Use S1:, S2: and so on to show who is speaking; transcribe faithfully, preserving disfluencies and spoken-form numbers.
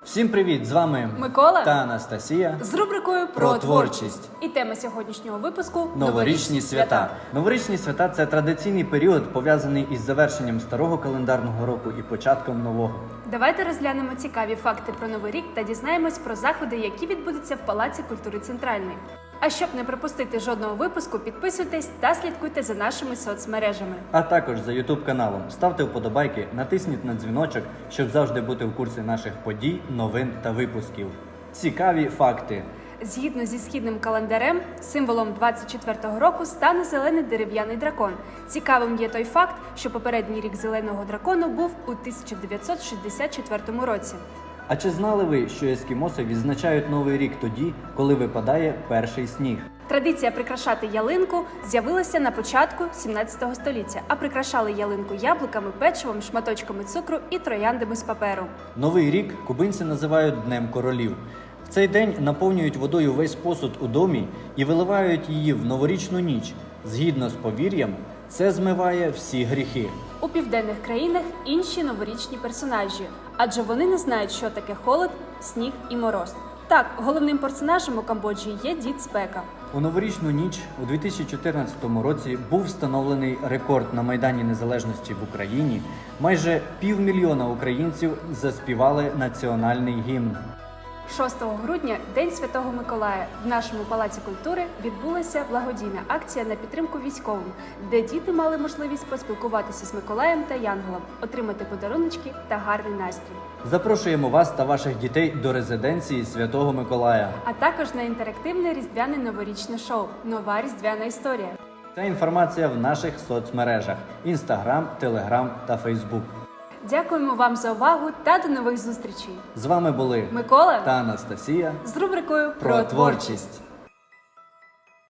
S1: Всім привіт! З вами
S2: Микола
S1: та Анастасія
S2: з рубрикою про,
S1: про
S2: творчість.
S1: творчість.
S2: І тема сьогоднішнього випуску
S1: Новорічні свята. Новорічні свята – це традиційний період, пов'язаний із завершенням старого календарного року і початком нового.
S2: Давайте розглянемо цікаві факти про Новий рік та дізнаємось про заходи, які відбудуться в Палаці культури Центральний. А щоб не пропустити жодного випуску, підписуйтесь та слідкуйте за нашими соцмережами.
S1: А також за ютуб каналом. Ставте вподобайки, натисніть на дзвіночок, щоб завжди бути в курсі наших подій, новин та випусків. Цікаві факти.
S2: Згідно зі східним календарем, символом двадцять четвертого року стане зелений дерев'яний дракон. Цікавим є той факт, що попередній рік зеленого дракону був у тисяча дев'ятсот шістдесят четвертому році.
S1: А чи знали ви, що ескімоси відзначають Новий рік тоді, коли випадає перший сніг?
S2: Традиція прикрашати ялинку з'явилася на початку сімнадцятого століття, а прикрашали ялинку яблуками, печивом, шматочками цукру і трояндами з паперу.
S1: Новий рік кубинці називають Днем королів. В цей день наповнюють водою весь посуд у домі і виливають її в новорічну ніч. Згідно з повір'ям, це змиває всі гріхи.
S2: У південних країнах інші новорічні персонажі, адже вони не знають, що таке холод, сніг і мороз. Так, головним персонажем у Камбоджі є Дід Спека.
S1: У новорічну ніч у дві тисячі чотирнадцятому році був встановлений рекорд на Майдані Незалежності в Україні. Майже півмільйона українців заспівали національний гімн.
S2: шостого грудня, День Святого Миколая, в нашому Палаці культури відбулася благодійна акція на підтримку військовим, де діти мали можливість поспілкуватися з Миколаєм та Янголом, отримати подаруночки та гарний настрій.
S1: Запрошуємо вас та ваших дітей до резиденції Святого Миколая.
S2: А також на інтерактивне різдвяне новорічне шоу «Нова різдвяна історія».
S1: Ця інформація в наших соцмережах – Інстаграм, Телеграм та Фейсбук.
S2: Дякуємо вам за увагу та до нових зустрічей.
S1: З вами були
S2: Микола
S1: та Анастасія
S2: з рубрикою
S1: про творчість.